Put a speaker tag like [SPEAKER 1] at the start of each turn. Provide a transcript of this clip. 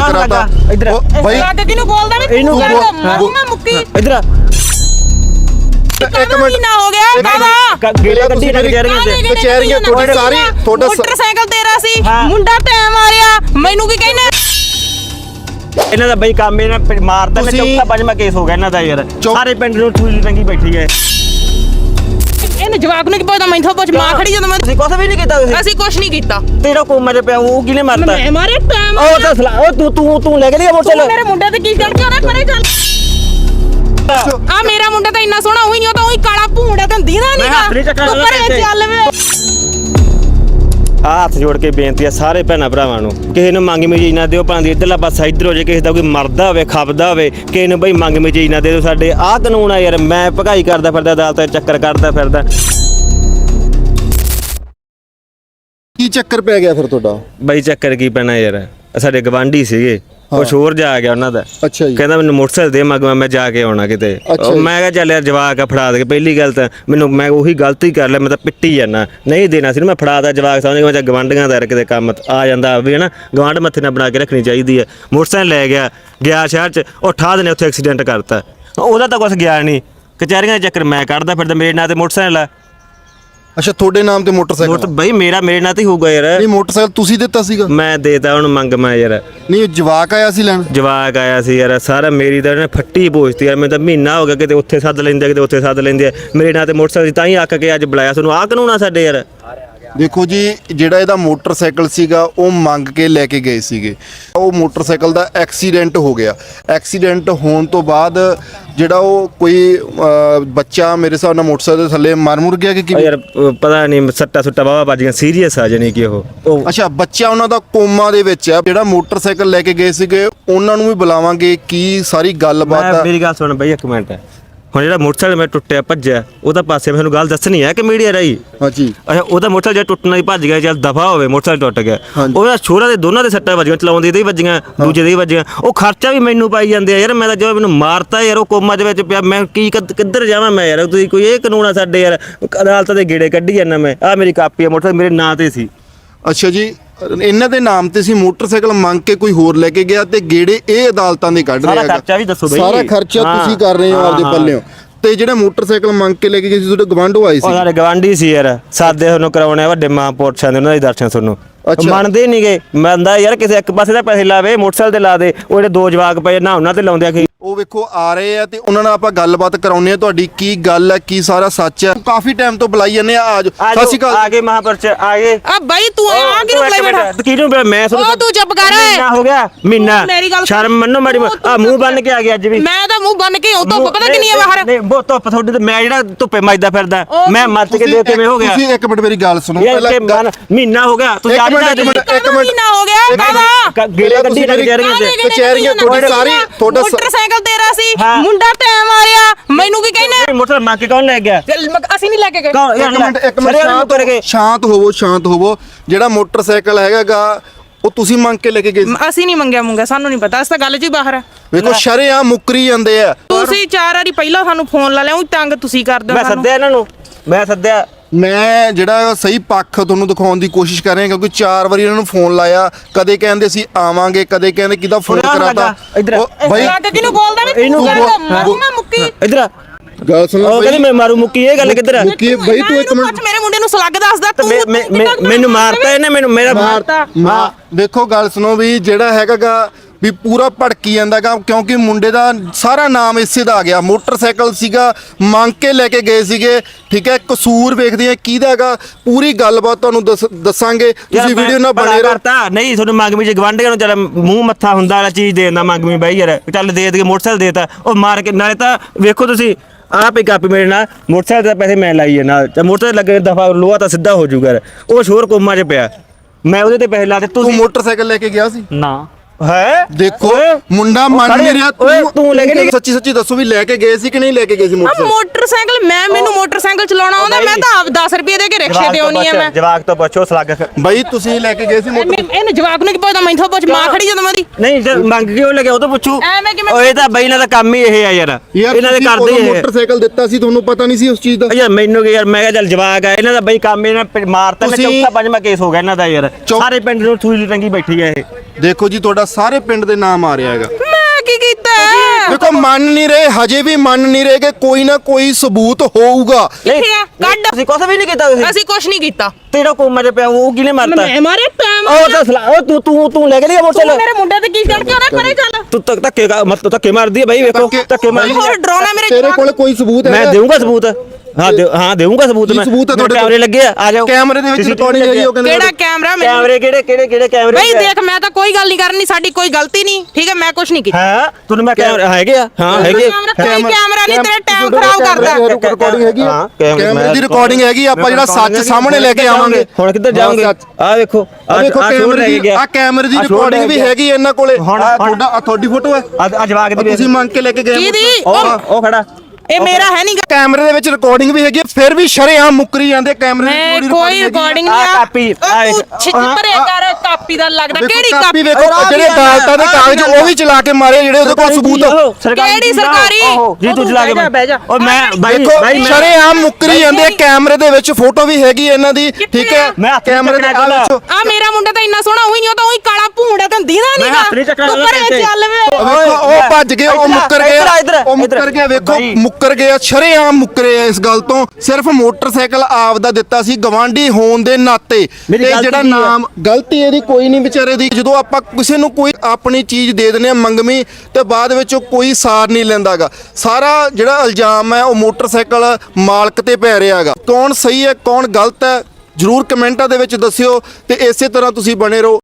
[SPEAKER 1] कराता
[SPEAKER 2] इधर
[SPEAKER 1] भाई
[SPEAKER 3] ਕਿਹਨੂੰ ਬੋਲਦਾ ਵੇ
[SPEAKER 2] ਇਹਨੂੰ
[SPEAKER 3] ਮਾਰੂੰਗਾ ਮੁੱਕੀ
[SPEAKER 2] इधर
[SPEAKER 1] एक मिनट
[SPEAKER 3] ਨਾ ਹੋ ਗਿਆ ਬਾਬਾ
[SPEAKER 2] ਗੇੜਾ ਗੱਡੀ ਨਾਲ ਕਚਹਿਰੀਆਂ ਤੇ
[SPEAKER 1] कचहरियां थोड़ी सारी थोड़ा
[SPEAKER 3] ਮੋਟਰਸਾਈਕਲ ਤੇਰਾ ਸੀ ਮੁੰਡਾ ਟਾਈਮ ਆ ਰਿਹਾ ਮੈਨੂੰ ਕੀ ਕਹਿੰਦੇ
[SPEAKER 2] ਇਹਨਾਂ ਦਾ ਬਈ ਕੰਮ ਇਹਨਾਂ ਮਾਰਦਾ ਮੈਂ ਚੌਥਾ ਪੰਜਵਾਂ ਕੇਸ ਹੋ ਗਿਆ ਇਹਨਾਂ ਦਾ ਯਾਰ ਸਾਰੇ ਪਿੰਡ ਨੂੰ ਠੂਲੀ ਟੰਗੀ ਬੈਠੀ ਹੈ
[SPEAKER 3] ਇਹਨੇ ਜਵਾਬ ਨੂੰ ਕੀ ਪਤਾ ਮੈਥੋਂ ਪੁੱਛ ਮਾਂ ਖੜੀ ਜਦੋਂ ਮੈਂ
[SPEAKER 2] ਤੁਸੀਂ ਕੁਛ ਵੀ ਨਹੀਂ ਕੀਤਾ ਤੁਸੀਂ
[SPEAKER 3] ਅਸੀਂ ਕੁਝ ਨਹੀਂ ਕੀਤਾ
[SPEAKER 2] ਤੇਰਾ ਕੋਮਾ ਤੇ ਪਿਆ ਉਹ ਕਿਹਨੇ ਮਾਰਤਾ
[SPEAKER 3] ਮੈਂ ਮਾਰੇ ਟਾਈਮ
[SPEAKER 2] ਉਹ ਤਾਂ ਸਲਾ ਉਹ ਤੂੰ ਲੈ ਕੇ ਲਿਆ ਮੋਟਰਸਾਈਕਲ
[SPEAKER 3] ਮੇਰੇ ਮੁੰਡੇ ਤੇ ਕੀ ਚੜ ਕੇ ਉਹਨੇ ਪਰੇ ਚੱਲ ਆ ਮੇਰਾ ਮੁੰਡਾ ਤਾਂ ਇੰਨਾ ਸੋਹਣਾ ਹੋਈ ਨਹੀਂ ਉਹ ਤਾਂ ਉਹੀ ਕਾਲਾ ਭੂੰਡਾ ਤਾਂ ਦੀਦਾ ਨਹੀਂਗਾ ਤੂੰ ਪਰੇ ਚੱਲ ਵੇ
[SPEAKER 2] ਹੱਥ ਜੋੜ ਕੇ ਬੇਨਤੀ ਆ ਸਾਰੇ ਭੈਣਾਂ ਭਰਾਵਾਂ ਨੂੰ ਕਿਸੇ ਨੂੰ ਮੰਗ ਮੇਜੀ ਨਾ ਦਿਓ ਭਾਂਦੀ ਇੱਧਰਲਾ ਪਾਸਾ ਇੱਧਰ ਹੋ ਜੇ ਕਿਸੇ ਦਾ ਕੋਈ ਮਰਦਾ ਹੋਵੇ ਖਪਦਾ ਹੋਵੇ ਕਿਸੇ ਨੂੰ ਬਈ ਮੰਗ ਮੇਜੀ ਨਾ ਦੇ ਦਿਓ ਸਾਡੇ ਆਹ ਕਾਨੂੰਨ ਆ ਯਾਰ ਮੈਂ ਭਗਾਈ ਕਰਦਾ ਫਿਰਦਾ ਅਦਾਲਤਾਂ 'ਚ ਚੱਕਰ ਕੱਢਦਾ ਫਿਰਦਾ
[SPEAKER 1] की चक्कर पे गया फिर ਤੁਹਾਡਾ
[SPEAKER 2] ਬਈ ਚੱਕਰ ਕੀ ਪੈਣਾ ਯਾਰ ਸਾਡੇ ਗਵਾਂਢੀ ਸੀਗੇ ਉਹ ਸ਼ੋਰ ਜਾ ਆ ਗਿਆ ਉਹਨਾਂ ਦਾ
[SPEAKER 1] ਅੱਛਾ ਜੀ
[SPEAKER 2] ਕਹਿੰਦਾ ਮੈਨੂੰ ਮੋਟਰਸਾਈਕਲ ਦੇ ਮੈਂ ਜਾ ਕੇ ਆਉਣਾ ਕਿਤੇ ਮੈਂ ਕਿਹਾ ਚੱਲ ਯਾਰ ਜਵਾਕ ਆ ਫੜਾ ਦੇ ਪਹਿਲੀ ਗੱਲ ਤਾਂ ਮੈਨੂੰ ਮੈਂ ਉਹੀ ਗਲਤੀ ਕਰ ਲਿਆ ਮੈਂ ਤਾਂ ਪਿੱਟੀ ਜਾਣਾ ਨਹੀਂ ਦੇਣਾ ਸੀ ਮੈਂ ਫੜਾਦਾ ਜਵਾਕ ਸਮਝ ਕੇ ਮੈਂ ਗਵਾਂਢੀਆਂ ਦਾ ਕਿਤੇ ਕੰਮ ਆ ਜਾਂਦਾ ਵੀ ਹਨਾ ਗਵਾਂਢ ਮੱਥੇ ਨਾਲ ਬਣਾ ਕੇ ਰੱਖਣੀ ਚਾਹੀਦੀ ਹੈ ਮੋਟਰਸਾਈਕਲ ਲੈ ਗਿਆ ਸ਼ਹਿਰ 'ਚ ਉਹ ਠਾ ਦੇਣੇ ਉੱਥੇ ਐਕਸੀਡੈਂਟ ਕਰਤਾ ਉਹਦਾ ਤਾਂ ਕੁਛ ਗਿਆ ਨਹੀਂ ਕਚਹਿਰੀਆਂ ਦੇ ਚੱਕਰ ਮੈਂ ਕੱਢਦਾ ਫਿਰਦਾ ਮੇਰੇ ਨਾਂ ਤੇ ਮੋਟਰਸਾਈਕਲ ਆ
[SPEAKER 1] ਅੱਛਾ ਤੁਹਾਡੇ ਨਾਮ ਤੇ ਮੋਟਰਸਾਈਕਲ
[SPEAKER 2] ਬਈ ਮੇਰੇ ਨਾਂ ਤੇ ਹੋਊਗਾ ਯਾਰ
[SPEAKER 1] ਨਹੀਂ ਮੋਟਰਸਾਈਕਲ ਤੁਸੀਂ ਦਿੱਤਾ ਸੀਗਾ
[SPEAKER 2] ਮੈਂ ਦੇਤਾ ਹੁਣ ਮੰਗ ਮੈਂ ਯਾਰ
[SPEAKER 1] ਨਹੀਂ ਜਵਾਕ ਆਇਆ ਸੀ ਲੈਣ
[SPEAKER 2] ਜਵਾਕ ਆਇਆ ਸੀ ਯਾਰ ਸਾਰਾ ਮੇਰੀ ਤਾਂ ਇਹਨੇ ਫੱਟੀ ਪੋਚਤੀ ਯਾਰ ਮੈਨੂੰ ਤਾਂ ਮਹੀਨਾ ਹੋ ਗਿਆ ਕਿਤੇ ਉੱਥੇ ਸੱਦ ਲੈਂਦੇ ਕਿਤੇ ਉੱਥੇ ਸੱਦ ਲੈਂਦੇ ਮੇਰੇ ਨਾਂ ਤੇ ਮੋਟਰਸਾਈਕਲ ਤਾਂ ਹੀ ਅੱਕ ਕੇ ਅੱਜ ਬੁਲਾਇਆ ਤੁਹਾਨੂੰ ਆਹ ਕਾਨੂੰਨ ਆ ਸਾਡੇ ਯਾਰ
[SPEAKER 1] ਦੇਖੋ ਜੀ ਜਿਹੜਾ ਇਹਦਾ ਮੋਟਰਸਾਈਕਲ ਸੀਗਾ ਉਹ ਮੰਗ ਕੇ ਲੈ ਕੇ ਗਏ ਸੀਗੇ ਉਹ ਮੋਟਰਸਾਈਕਲ ਦਾ ਐਕਸੀਡੈਂਟ ਹੋ ਗਿਆ ਐਕਸੀਡੈਂਟ ਹੋਣ ਤੋਂ ਬਾਅਦ ਜਿਹੜਾ ਉਹ ਕੋਈ ਬੱਚਾ ਮੇਰੇ ਹਿਸਾਬ ਨਾਲ ਮੋਟਰਸਾਈਕਲ ਦੇ ਥੱਲੇ ਮਰ ਮੁਰ ਗਿਆ ਕਿ ਕਿਵੇਂ
[SPEAKER 2] ਯਾਰ ਪਤਾ ਨਹੀਂ ਸੱਟਾ ਸੁੱਟਾ ਵਾਵਾ ਵੱਜੀਆਂ ਸੀਰੀਅਸ ਆ ਜਾਨੀ ਕਿ ਉਹ
[SPEAKER 1] ਅੱਛਾ ਬੱਚਾ ਉਹਨਾਂ ਦਾ ਕੋਮਾ ਦੇ ਵਿੱਚ ਆ ਜਿਹੜਾ ਮੋਟਰਸਾਈਕਲ ਲੈ ਕੇ ਗਏ ਸੀਗੇ ਉਹਨਾਂ ਨੂੰ ਵੀ ਬੁਲਾਵਾਂਗੇ ਕੀ ਸਾਰੀ ਗੱਲਬਾਤ
[SPEAKER 2] ਮੇਰੀ ਗੱਲ ਸੁਣ ਬਈ ਇੱਕ ਮਿੰਟ ਹੁਣ ਜਿਹੜਾ ਮੋਟਰਸਾਈਕਲ ਮੈਂ ਟੁੱਟਿਆ ਭੱਜਿਆ ਉਹਦਾ ਪਾਸੇ ਮੈਨੂੰ ਗੱਲ ਦੱਸਣੀ ਹੈ ਕਿ ਮੀਡੀਆ ਰਾਈ
[SPEAKER 1] ਹਾਂਜੀ
[SPEAKER 2] ਅੱਛਾ ਉਹਦਾ ਮੋਟਰਸਾਈਕਲ ਜਿਹੜਾ ਟੁੱਟਣਾ ਹੀ ਭੱਜ ਗਿਆ ਚੱਲ ਦਫਾ ਹੋਵੇ ਮੋਟਰਸਾਈਕਲ ਟੁੱਟ ਗਿਆ ਉਹਦਾ ਛੋਰਾ ਦੇ ਦੋਨਾਂ ਦੇ ਸੱਟਾਂ ਵੱਜੀਆਂ ਚਲਾਉਂਦੇ ਦੇ ਹੀ ਵੱਜੀਆਂ ਦੂਜੇ ਦੇ ਹੀ ਵੱਜੀਆਂ ਉਹ ਖਰਚਾ ਵੀ ਮੈਨੂੰ ਪਾਈ ਜਾਂਦੇ ਆ ਯਾਰ ਮੈਂ ਤਾਂ ਜਦੋਂ ਮੈਨੂੰ ਮਾਰਤਾ ਯਾਰ ਉਹ ਕੋਮਾ ਦੇ ਵਿੱਚ ਪਿਆ ਮੈਂ ਕੀ ਕਿੱਧਰ ਜਾਵਾਂ ਮੈਂ ਯਾਰ ਤੁਸੀਂ ਕੋਈ ਇਹ ਕਾਨੂੰਨ ਆ ਸਾਡੇ ਯਾਰ ਅਦਾਲਤਾਂ ਦੇ ਗੇੜੇ ਕੱਢੀ ਜਾਂਦਾ ਮੈਂ ਆ ਮੇਰੀ ਕਾਪੀ ਆ ਮੋਟਰਸਾਈਕਲ ਮੇਰੇ ਨਾਂ ਤੇ ਸੀ
[SPEAKER 1] ਅੱਛਾ ਜੀ ਇਹਨਾਂ ਦੇ ਨਾਮ ਤੇ ਸੀ ਮੋਟਰਸਾਈਕਲ ਮੰਗ ਕੇ ਕੋਈ ਹੋਰ ਲੈ ਕੇ ਗਿਆ ਤੇ ਗੇੜੇ ਇਹ ਅਦਾਲਤਾਂ ਦੇ ਕੱਢ ਰਿਹਾ
[SPEAKER 2] ਸਾਰਾ ਖਰਚਾ ਵੀ ਦੱਸੋ ਬਈ
[SPEAKER 1] ਸਾਰਾ ਖਰਚਾ ਤੁਸੀਂ ਕਰ ਰਹੇ ਹੋ ਆਪਦੇ ਪੱਲਿਓਂ ਤੇ ਜਿਹੜੇ ਮੋਟਰਸਾਈਕਲ ਮੰਗ ਕੇ ਲੈ ਕੇ ਗਏ ਸੀ ਤੁਹਾਡੇ ਗਵਾਂਢੋਂ ਆਏ ਸੀ
[SPEAKER 2] ਉਹ ਸਾਡੇ ਗਵਾਂਢੀ ਸੀ ਯਾਰ ਸਾਦੇ ਤੁਹਾਨੂੰ ਕਰਾਉਣੇ ਵੱਡੇ ਮਹਾਂਪੁਰਸ਼ਾਂ ਦੇ ਉਹਨਾਂ ਦੇ ਦਰਸ਼ਨ ਤੁਹਾਨੂੰ ਮੰਨਦੇ ਨਹੀਂ ਗਏ ਮੰਨਦਾ ਯਾਰ ਕਿਸੇ ਇੱਕ ਪਾਸੇ ਦਾ ਪੈਸੇ ਲਾਵੇ ਮੋਟਰਸਾਈਕਲ ਤੇ ਲਾ ਦੇ ਉਹ ਜਿਹੜੇ ਦੋ ਜਵਾਕ ਪਏ ਨਾ ਉਹਨਾਂ ਤੇ ਲਾਉਂਦੇ ਆ
[SPEAKER 1] ਉਹ ਵੇਖੋ ਆ ਰਹੇ ਆ ਤੇ ਉਹਨਾਂ ਨਾਲ ਆਪਾਂ ਗੱਲਬਾਤ ਕਰਾਉਨੇ ਆ ਤੁਹਾਡੀ ਕੀ ਗੱਲ ਹੈ ਕੀ ਸਾਰਾ ਸੱਚ ਹੈ ਕਾਫੀ ਟਾਈਮ ਤੋਂ ਬੁਲਾਈ ਜਾਂਦੇ ਆ ਆਜੋ ਸਤਿ ਸ਼੍ਰੀ ਅਕਾਲ
[SPEAKER 2] ਆ ਗਏ ਮਹਾਂਪੁਰਸ਼ ਆ ਗਏ
[SPEAKER 3] ਆ ਬਾਈ ਤੂੰ ਆ ਕਿਉਂ ਬੁਲਾਈ ਬੈਠਾ
[SPEAKER 2] ਕਿਹਨੂੰ ਮੈਂ
[SPEAKER 3] ਉਹ ਤੂੰ ਚੁੱਪ ਕਰ
[SPEAKER 2] ਮਹੀਨਾ ਹੋ ਗਿਆ ਮਹੀਨਾ ਸ਼ਰਮ ਮੰਨੋ ਮਾੜੀ ਆ ਮੂੰਹ ਬੰਨ ਕੇ ਆ ਗਿਆ ਅੱਜ ਵੀ
[SPEAKER 3] ਮੈਂ ਤਾਂ ਮੂੰਹ ਬੰਨ ਕੇ ਉਹ ਧੁੱਪ ਪਤਾ ਕਿੰਨੀ ਆ ਬਾਹਰ
[SPEAKER 2] ਨਹੀਂ ਬਹੁਤ ਧੁੱਪ ਤੁਹਾਡੇ ਤੇ ਮੈਂ ਜਿਹੜਾ ਧੁੱਪੇ ਮੱਜਦਾ ਫਿਰਦਾ ਮੈਂ ਮੱਤ ਕੇ ਦੇ ਕਿਵੇਂ ਹੋ ਗਿਆ
[SPEAKER 1] ਤੁਸੀਂ ਇੱਕ ਮਿੰਟ ਮੇਰੀ ਗੱਲ ਸੁਣੋ
[SPEAKER 2] ਪਹਿਲਾਂ ਮਹੀਨਾ ਹੋ ਗਿਆ ਤੁਸੀਂ ਆ
[SPEAKER 1] ਇੱਕ ਮਿੰਟ
[SPEAKER 3] ਮਹੀਨਾ ਹੋ ਗਿਆ ਬਾਬਾ
[SPEAKER 2] ਗੇੜੇ ਗੱਡੀ ਨਾਲ
[SPEAKER 1] ਕਚਹਿਰੀਆਂ ਥੋੜੀ ਸਾਰੀ ਤੁਹਾਡਾ
[SPEAKER 3] ਮੋਟਰਸਾਈਕਲ ਤੇਰਾ ਸੀ ਮੁੰਡਾ ਟਾਈਮ ਆ ਰਿਹਾ ਮੈਨੂੰ ਕੀ ਕਹਿੰਦੇ
[SPEAKER 2] ਮੋਟਰ ਮੰਗ ਕੇ ਕੌਣ ਲੈ ਗਿਆ
[SPEAKER 3] ਅਸੀਂ ਨਹੀਂ ਲੈ ਕੇ ਗਏ
[SPEAKER 1] ਇੱਕ ਮਿੰਟ ਸ਼ਾਂਤ ਹੋਵੋ ਜਿਹੜਾ ਮੋਟਰਸਾਈਕਲ ਹੈਗਾਗਾ ਉਹ ਤੁਸੀਂ ਮੰਗ ਕੇ ਲੈ ਕੇ ਗਏ
[SPEAKER 3] ਅਸੀਂ ਨਹੀਂ ਮੰਗਿਆ ਸਾਨੂੰ ਨਹੀਂ ਪਤਾ ਅਸੀਂ ਤਾਂ ਗੱਲ 'ਚ ਹੀ ਬਾਹਰ ਆ
[SPEAKER 1] ਵੇਖੋ ਸ਼ਰਿਆਂ ਮੁੱਕਰੀ ਜਾਂਦੇ ਆ
[SPEAKER 3] ਤੁਸੀਂ 4 ਵਾਰੀ ਪਹਿਲਾਂ ਸਾਨੂੰ ਫੋਨ ਲਾ ਲਿਆ ਉਹ ਤੰਗ ਤੁਸੀਂ ਕਰਦੇ ਹੋ
[SPEAKER 2] ਮੈਂ ਸੱਦਿਆ ਇਹਨਾਂ ਨੂੰ
[SPEAKER 1] ਮੈਂ ਜਿਹੜਾ ਸਹੀ ਪੱਖ ਤੁਹਾਨੂੰ ਦਿਖਾਉਣ ਦੀ ਕੋਸ਼ਿਸ਼ ਕਰ ਰਿਹਾ ਕਿਉਂਕਿ 4 ਵਾਰੀ ਇਹਨਾਂ ਨੂੰ ਫੋਨ ਲਾਇਆ ਕਦੇ ਕਹਿੰਦੇ ਸੀ ਆਵਾਂਗੇ ਕਦੇ ਕਹਿੰਦੇ ਕਿਹਦਾ ਫੋਨ ਕਰਾਤਾ
[SPEAKER 3] ਬਾਈ ਕਿਹਨੂੰ ਬੋਲਦਾ ਵੇ ਇਹਨੂੰ ਮਾਰੂੰਗਾ ਮੁੱਕੀ
[SPEAKER 2] ਇਧਰ
[SPEAKER 1] ਗੱਲ ਸੁਣੋ
[SPEAKER 2] ਉਹ ਕਹਿੰਦੀ ਮੈਂ ਮਾਰੂ ਮੁੱਕੀ ਇਹ ਗੱਲ ਕਿੱਧਰ
[SPEAKER 1] ਮੁੱਕੀ ਬਈ ਤੂੰ ਇੱਕ ਮਿੰਟ
[SPEAKER 3] ਮੇਰੇ ਮੁੰਡੇ ਨੂੰ ਸਲੱਗ ਦੱਸਦਾ ਤੂੰ
[SPEAKER 2] ਮੈਨੂੰ ਮਾਰਤਾ ਇਹਨੇ ਮੈਨੂੰ ਮੇਰਾ
[SPEAKER 1] ਮਾਰਤਾ ਦੇਖੋ ਗੱਲ ਸੁਣੋ ਵੀ ਜਿਹੜਾ ਹੈਗਾਗਾ ਵੀ ਪੂਰਾ ਭੜਕੀ ਜਾਂਦਾਗਾ ਕਿਉਂਕਿ ਮੁੰਡੇ ਦਾ ਸਾਰਾ ਨਾਮ ਇਸੇ ਦਾ ਆ ਗਿਆ ਮੋਟਰਸਾਈਕਲ ਸੀਗਾ ਮੰਗ ਕੇ ਲੈ ਕੇ ਗਏ ਸੀਗੇ ਠੀਕ ਹੈ ਕਸੂਰ ਵੇਖਦੇ ਆ ਕਿਹਦਾ ਹੈਗਾ ਪੂਰੀ ਗੱਲਬਾਤ ਤੁਹਾਨੂੰ ਦੱਸਾਂਗੇ ਤੁਸੀਂ ਵੀਡੀਓ ਨਾਲ ਬਣੇ ਰਹੋ
[SPEAKER 2] ਨਹੀਂ ਤੁਹਾਨੂੰ ਮੰਗਮੀ ਜੇ ਗਵਾਂਢੀਆਂ ਨੂੰ ਚੱਲ ਮੂੰਹ ਮੱਥਾ ਹੁੰਦਾ ਵਾਲਾ ਚੀਜ਼ ਦੇ ਦਿੰਦਾ ਮੰਗਮੀ ਬਾਈ ਯਾਰ ਚੱਲ ਦੇ ਕੇ ਮੋਟਰਸਾਈਕਲ ਦੇਤਾ ਉਹ ਮਾਰ ਕੇ ਨਾਲੇ ਤਾਂ ਵੇਖੋ ਤੁਸੀਂ ਆਪ ਹੀ ਕਾਪੀ ਮੇਰੇ ਨਾਲ ਮੋਟਰਸਾਈਕਲ ਦੇ ਪੈਸੇ ਮੈਂ ਲਾਈਏ ਨਾਲ ਤੇ ਮੋਟਰਸਾਈਕਲ ਲੱਗੇ ਦਫਾ ਲੋਹਾ ਤਾਂ ਸਿੱਧਾ ਹੋ ਜਾਊਗਾ ਉਹ ਸ਼ੋਰ ਕੋਮਾ 'ਚ ਪਿਆ ਮੈਂ ਉਹਦੇ ਤੇ ਪੈਸੇ ਲਾ ਦਿੱਤੇ
[SPEAKER 1] ਤੂੰ ਮੋਟਰਸਾਈਕਲ ਲੈ ਕੇ ਗਿਆ ਸੀ
[SPEAKER 2] ਨਾ ਹੈ
[SPEAKER 1] ਦੇਖੋ ਮੁੰਡਾ ਮੰਨ ਨਹੀਂ ਰਿਹਾ
[SPEAKER 2] ਤੂੰ ਲੈ ਕੇ
[SPEAKER 1] ਸੱਚੀ ਦੱਸੋ ਵੀ ਲੈ ਕੇ ਗਏ ਸੀ ਕਿ ਨਹੀਂ ਲੈ ਕੇ ਗਏ ਸੀ
[SPEAKER 3] ਮੋਟਰਸਾਈਕਲ ਮੈਨੂੰ ਮੋਟਰਸਾਈਕਲ ਚਲਾਉਣਾ ਆਉਂਦਾ ਮੈਂ ਤਾਂ ਆਪ 10 ਰੁਪਏ ਦੇ ਕੇ ਰਿਕਸ਼ੇ ਤੇ ਆਉਣੀ ਆ ਮੈਂ
[SPEAKER 2] ਜਵਾਕ ਤੋਂ ਪੁੱਛੋ ਸਲੱਗ
[SPEAKER 1] ਬਾਈ ਤੁਸੀਂ ਲੈ ਕੇ ਗਏ ਸੀ
[SPEAKER 3] ਇਹਨੇ ਜਵਾਕ ਨੂੰ ਕੀ ਪਤਾ ਮੈਥੋਂ ਪੁੱਛ ਮਾਂ ਖੜੀ ਜਦੋਂ ਮੇਰੀ
[SPEAKER 2] ਨਹੀਂ ਮੰਗ ਕੇ ਉਹ ਲੱਗਿਆ ਉਹ ਤਾਂ ਪੁੱਛੂ ਓਏ ਤਾਂ ਬਈ ਇਹਨਾਂ ਦਾ ਕੰਮ ਹੀ ਇਹ ਆ ਯਾਰ ਇਹਨਾਂ ਦੇ ਕਰਦੇ ਇਹ
[SPEAKER 1] ਮੋਟਰਸਾਈਕਲ ਦਿੱਤਾ ਸੀ ਤੁਹਾਨੂੰ ਪਤਾ ਨਹੀਂ ਸੀ ਉਸ ਚੀਜ਼ ਦਾ
[SPEAKER 2] ਯਾਰ ਮੈਨੂੰ ਕੀ ਯਾਰ ਮੈਂ ਕਿਹਾ ਚੱਲ ਜਵਾਕ ਆ ਇਹਨਾਂ ਦਾ ਬਈ ਕੰਮ ਇਹਨਾਂ ਮਾਰਤਾ ਮੈਂ ਚੌਥਾ ਪੰਜਵਾਂ ਕੇਸ ਹੋ ਗਿਆ ਇਹਨਾਂ ਦਾ ਯਾਰ ਸਾਰੇ ਪਿੰਡ ਨੂੰ ਠੂਲੀ ਟੰਗੀ ਬੈਠੀ ਆ ਇਹ
[SPEAKER 1] ਦੇਖੋ ਜੀ ਤੁਹਾਡਾ ਸਾਰੇ ਪਿੰਡ ਦੇ ਨਾਮ ਆ ਰਿਹਾ ਹੈਗਾ।
[SPEAKER 3] ਮੈਂ ਕੀ ਕੀਤਾ
[SPEAKER 1] ਦੇਖੋ ਮੰਨ ਨਹੀਂ ਰਹੇ, ਹਜੇ ਵੀ ਮੰਨ ਨਹੀਂ ਰਹੇ ਕਿ ਕੋਈ ਨਾ ਕੋਈ ਸਬੂਤ ਹੋਊਗਾ।
[SPEAKER 3] ਕਿੱਥੇ ਆ ਕੱਢ
[SPEAKER 2] ਤੁਸੀਂ ਕੁਝ ਵੀ ਨਹੀਂ ਕੀਤਾ ਤੁਸੀਂ
[SPEAKER 3] ਅਸੀਂ ਕੁਛ ਨਹੀਂ ਕੀਤਾ
[SPEAKER 2] ਤੇਰਾ ਕੋਮਰੇ ਪਿਆ ਉਹ ਕਿਹਨੇ ਮਾਰਤਾ
[SPEAKER 3] ਮੈਂ ਮਾਰੇ ਟਾਈਮ
[SPEAKER 2] ਉਹ ਤਾਂ ਤੂੰ ਲੈ ਕੇ ਲਿਆ ਮੋਟਰਸਾਈਕਲ
[SPEAKER 3] ਮੇਰੇ ਮੁੰਡੇ ਤੇ ਕੀ ਚੜ ਕੇ ਉਹਨੇ ਪਰੇ ਚੱਲ
[SPEAKER 2] ਤੂੰ ਧੱਕੇ ਮਤ ਧੱਕੇ ਮਾਰਦੀ ਹੈ ਬਾਈ ਵੇਖੋ ਧੱਕੇ ਮਾਰ
[SPEAKER 3] ਹੋਰ ਡਰਾਉਣਾ ਮੇਰੇ
[SPEAKER 1] ਤੇਰੇ ਕੋਲ ਕੋਈ ਸਬੂਤ ਹੈ?
[SPEAKER 2] ਮੈਂ ਦੇਵਾਂਗਾ ਸਬੂਤ ਹਾਂ ਦੇਵਾਂਗਾ ਸਬੂਤ
[SPEAKER 1] ਕੀ
[SPEAKER 2] ਮੈਂ
[SPEAKER 1] ਸਬੂਤ ਹੈ ਤੁਹਾਡੇ ਕੋਲ?
[SPEAKER 2] ਕੈਮਰੇ ਲੱਗੇ ਆ ਜਾਓ
[SPEAKER 1] ਕੈਮਰੇ ਦੇ ਵਿੱਚ ਰਿਕਾਰਡਿੰਗ ਹੈਗੀ ਉਹ ਕਹਿੰਦੇ
[SPEAKER 3] ਕਿਹੜਾ ਕੈਮਰਾ
[SPEAKER 2] ਕੈਮਰੇ ਕਿਹੜੇ ਕੈਮਰੇ
[SPEAKER 3] ਬਈ ਦੇਖ ਮੈਂ ਤਾਂ ਕੋਈ ਗੱਲ ਨਹੀਂ ਕਰਨੀ ਸਾਡੀ ਕੋਈ ਗਲਤੀ ਨਹੀਂ ਠੀਕ ਹੈ ਮੈਂ ਕੁਛ ਨਹੀਂ ਕੀਤਾ
[SPEAKER 2] ਹਾਂ ਤੁਹਾਨੂੰ ਮੈਂ ਕੈਮਰਾ ਹੈਗੇ ਆ ਹਾਂ ਹੈਗੇ
[SPEAKER 3] ਕੋਈ ਕੈਮਰਾ ਨਹੀਂ ਤੇਰਾ ਟਾਈਮ ਖਰਾਬ ਕਰਦਾ
[SPEAKER 1] ਰਿਕਾਰਡਿੰਗ ਹੈਗੀ ਆ?
[SPEAKER 2] ਹਾਂ,
[SPEAKER 1] ਕੈਮਰੇ ਦੀ ਰਿਕਾਰਡਿੰਗ ਹੈਗੀ, ਆਪਾਂ ਜਿਹੜਾ ਸੱਚ ਸਾਹਮਣੇ ਲੈ ਕੇ ਆਵਾਂਗੇ।
[SPEAKER 2] ਹੁਣ ਕਿੱਧਰ ਜਾਓਗੇ ਆ ਵੇਖੋ
[SPEAKER 1] ਆ ਦੇਖੋ ਕੈਮਰੇ ਦੀ ਰਿਕਾਰਡਿੰਗ ਵੀ ਹੈਗੀ ਇਹਨਾਂ ਕੋਲੇ। ਤੁਹਾਡੀ ਫੋਟੋ ਹੈ
[SPEAKER 2] ਆ ਜਵਾਕ ਦੀ
[SPEAKER 1] ਤੁਸੀਂ ਮੰਗ ਕੇ ਲੈ ਕੇ ਗਏ
[SPEAKER 3] ਕਿਹਦੀ
[SPEAKER 2] ਉਹ ਖੜਾ
[SPEAKER 3] ਇਹ ਮੇਰਾ ਹੈ ਨਹੀਂ
[SPEAKER 1] ਕੈਮਰੇ ਦੇ ਵਿੱਚ ਰਿਕਾਰਡਿੰਗ ਵੀ ਹੈਗੀ, ਫਿਰ ਵੀ ਸ਼ਰੇਆਮ ਮੁੱਕਰੀ ਜਾਂਦੇ ਕੈਮਰੇ
[SPEAKER 3] ਮੈਂ
[SPEAKER 1] ਦੀ
[SPEAKER 3] ਕੋਈ ਰਿਕਾਰਡਿੰਗ ਨਹੀਂ
[SPEAKER 2] ਆ ਕਾਪੀ,
[SPEAKER 3] ਛਿੱਪਰੇ ਕਰ ਕਾਪੀ ਦਾ ਲੱਗਦਾ ਕਿਹੜੀ ਕਾਪੀ
[SPEAKER 1] ਵੇਖੋ ਜਿਹੜੇ ਅਦਾਲਤਾਂ ਦੇ ਕਾਗਜ਼ ਉਹ ਵੀ ਚਲਾ ਕੇ ਮਾਰੇ ਜਿਹੜੇ ਉਹਦੇ ਕੋਲ ਸਬੂਤ।
[SPEAKER 3] ਕਿਹੜੀ ਸਰਕਾਰੀ
[SPEAKER 2] ਜੀ ਤੂੰ ਚਲਾ ਕੇ
[SPEAKER 3] ਬਹਿ ਜਾ
[SPEAKER 2] ਓ ਮੈਂ
[SPEAKER 1] ਦੇਖੋ ਸ਼ਰੇਆਮ ਮੁੱਕਰੀ ਜਾਂਦੇ ਕੈਮਰੇ ਦੇ ਵਿੱਚ ਫੋਟੋ ਵੀ ਹੈਗੀ ਇਹਨਾਂ ਦੀ ਠੀਕ ਹੈ ਕੈਮਰੇ ਦੇ ਵਿੱਚ
[SPEAKER 3] ਆ ਮੇਰਾ ਮੁੰਡਾ ਤਾਂ ਇੰਨਾ ਸੋਹਣਾ ਹੋਈ ਨਹੀਂ ਉਹ ਤਾਂ ਉਹੀ ਕਾਲਾ ਭੂੰਡਾ ਤਾਂ ਦੀਦਾ ਨਹੀਂਗਾ ਤੂੰ ਪਰੇ ਚੱਲ ਵੇ
[SPEAKER 1] ਉਹ ਭੱਜ ਗਏ, ਉਹ ਮੁੱਕਰ ਗਏ, ਉਹ ਮੁੱਕਰ ਗਏ। ਵੇਖੋ ਮੁੱਕਰ ਗਏ, ਸ਼ਰੇਆਮ ਮੁੱਕਰੇ ਆ ਇਸ ਗੱਲ ਤੋਂ। ਸਿਰਫ ਮੋਟਰਸਾਈਕਲ ਆਪਦਾ ਦਿੱਤਾ ਸੀ ਗਵਾਂਢੀ ਹੋਣ ਦੇ ਨਾਤੇ, ਤੇ ਜਿਹੜਾ ਨਾਮ ਗਲਤੀ ਇਹਦੀ ਕੋਈ ਨਹੀਂ ਵਿਚਾਰੇ ਦੀ। ਜਦੋਂ ਆਪਾਂ ਕਿਸੇ ਨੂੰ ਕੋਈ ਆਪਣੀ ਚੀਜ਼ ਦੇ ਦਿੰਦੇ ਆ ਮੰਗਵੀਂ ਤੇ ਬਾਅਦ ਵਿੱਚ ਉਹ ਕੋਈ ਸਾਰ ਨਹੀਂ ਲੈਂਦਾਗਾ। ਸਾਰਾ ਜਿਹੜਾ ਇਲਜ਼ਾਮ ਹੈ ਉਹ ਮੋਟਰਸਾਈਕਲ ਮਾਲਕ ਤੇ ਪੈ ਰਿਹਾ ਹੈਗਾ। ਕੌਣ ਸਹੀ ਹੈ ਕੌਣ ਗਲਤ ਹੈ ਜ਼ਰੂਰ ਕਮੈਂਟਾਂ ਦੇ ਵਿੱਚ ਦੱਸਿਓ, ਤੇ ਇਸੇ ਤਰ੍ਹਾਂ ਤੁਸੀਂ ਬਣੇ ਰਹੋ